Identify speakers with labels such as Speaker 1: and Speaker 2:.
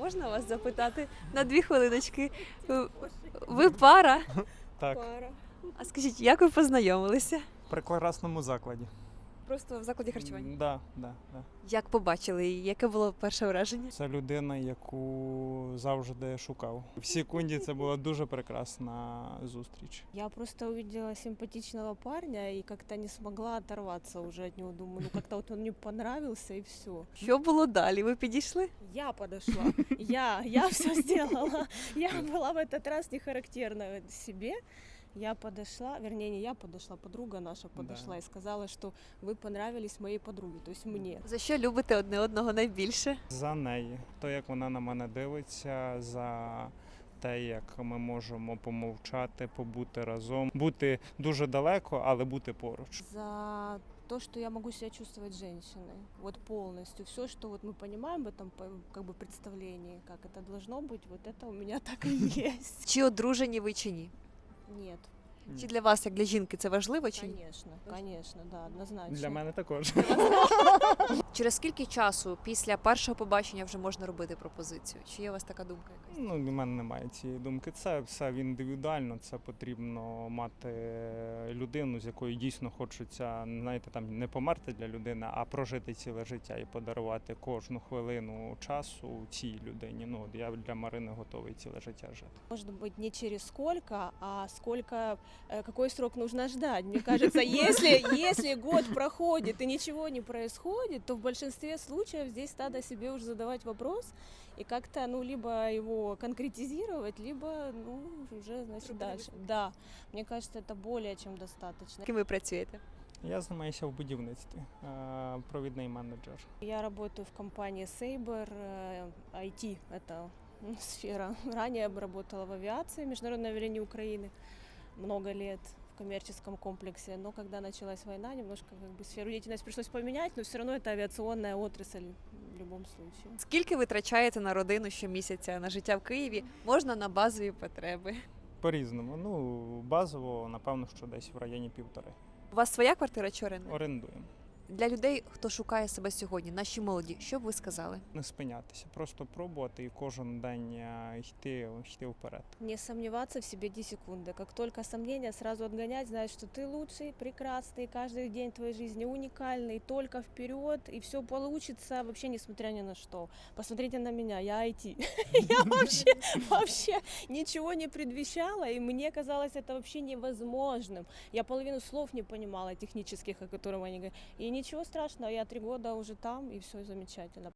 Speaker 1: можна вас запитати на 2 хвилиночки? Ви пара?
Speaker 2: Так,
Speaker 1: А скажіть, як ви познайомилися?
Speaker 2: в прекрасному закладі.
Speaker 1: Просто в закладі харчування.
Speaker 2: Да.
Speaker 1: Як побачили її? Яке було перше враження?
Speaker 2: Це людина, яку завжди шукав. В секунді це була дуже прекрасна зустріч.
Speaker 3: Я просто увидела симпатичного парня и как-то не смогла оторваться уже от него. Думаю, ну как-то вот он мне понравился и все.
Speaker 1: Що було далі? Ви підійшли?
Speaker 3: Я подошла, я все сделала. Я была в этот раз не характерна себе. Я подошла, вернее, не я подошла, подруга наша подошла и сказала, что вы понравились моей подруге, то есть мне.
Speaker 1: За що любите одне одного найбільше?
Speaker 2: За неї, то як вона на мене дивиться, за те, як ми можемо помовчати, побути разом, бути дуже далеко, але бути поруч.
Speaker 3: За то, что я могу себя чувствовать женщиной, вот полностью. Все, что вот мы понимаем в этом как бы представлении, как это должно быть, вот это у меня так и есть.
Speaker 1: Чи одружені ви, чи ні?
Speaker 3: Нет,
Speaker 1: Чи для вас, як для жінки, це важливо, чи ні?
Speaker 3: конечно, да, однозначно.
Speaker 2: Для мене також.
Speaker 1: Через скільки часу після першого побачення вже можна робити пропозицію? Чи є у вас така думка якась?
Speaker 2: Ну, в мене немає цієї думки. Це все індивідуально, це потрібно мати людину, з якою дійсно хочеться, знаєте, там не померти для людини, а прожити ціле життя і подарувати кожну хвилину часу цій людині. Ну, от я для Марини готовий ціле життя жити.
Speaker 3: Может быть, не через сколько, а сколько, какой срок нужно ждать. Мне кажется, если год проходит и ничего не происходит, то в большинстве случаев здесь надо себе уже задавать вопрос и как-то, ну, либо его конкретизировать, либо, ну, уже, значит, дальше. Да, мне кажется, это более чем достаточно.
Speaker 1: Ким ви працюєте?
Speaker 2: Я займаюся в будівництві, провідний менеджер.
Speaker 3: Я работаю в компании Saber, IT, это сфера. Ранее я работала в авиации, Международной авиалинии Украины, много лет в коммерческом комплексе, но когда началась война, немножко как бы сферу деятельности пришлось поменять, но все равно это авиационная отрасль в любом случае.
Speaker 1: Скільки ви витрачаєте на родину щомісяця, на життя в Києві? Можна на базові потреби?
Speaker 2: По-різному. Ну, базово, напевно, що десь в районі 1,5.
Speaker 1: У вас своя квартира чи оренда?
Speaker 2: Орендуємо.
Speaker 1: Для людей, хто шукає себе сьогодні, наші молоді, що б ви сказали?
Speaker 2: Не спинятися, просто пробувати і кожен день йти вперед.
Speaker 3: Не сомневаться в себе 10 секунды. Как только сомнения, сразу отгонять, знать, что ты лучший, прекрасный, каждый день твоей жизни уникальный, только вперед, и все получится, вообще несмотря ни на что. Посмотрите на меня, я IT. Я вообще ничего не предвещала, и мне казалось это вообще невозможным. Я половину слов не понимала технических, о которых они говорят. И ничего страшного, я 3 года уже там, и все замечательно.